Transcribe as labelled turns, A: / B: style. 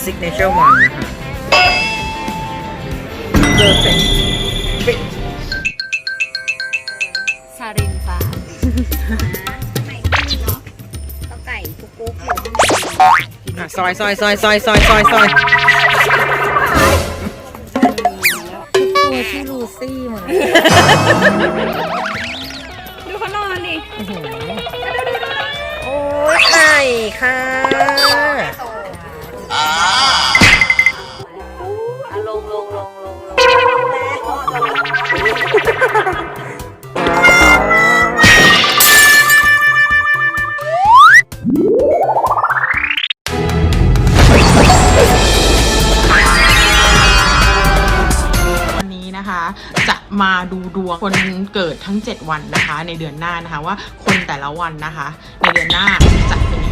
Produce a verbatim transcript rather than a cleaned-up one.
A: signature one นะคะ perfect fit
B: ซารินฟ้า
C: ไม่ขึ้นหรอกก็ไก่กุ๊กกุ๊กอยู่
A: อ่ะซอยซอยซอยซอยซอยซอยซอย
B: ตัวที่ลูซี่เหมือน
C: ดูเขานอนดิ
A: โอ้ยไข่ค่ะ
B: ลงลงลงลง
D: วันนี้นะคะจะมาดูดวงคนเกิดทั้งเจ็ดวันนะคะในเดือนหน้านะคะว่าคนแต่ละวันนะคะในเดือนหน้าจะเป็นยังไง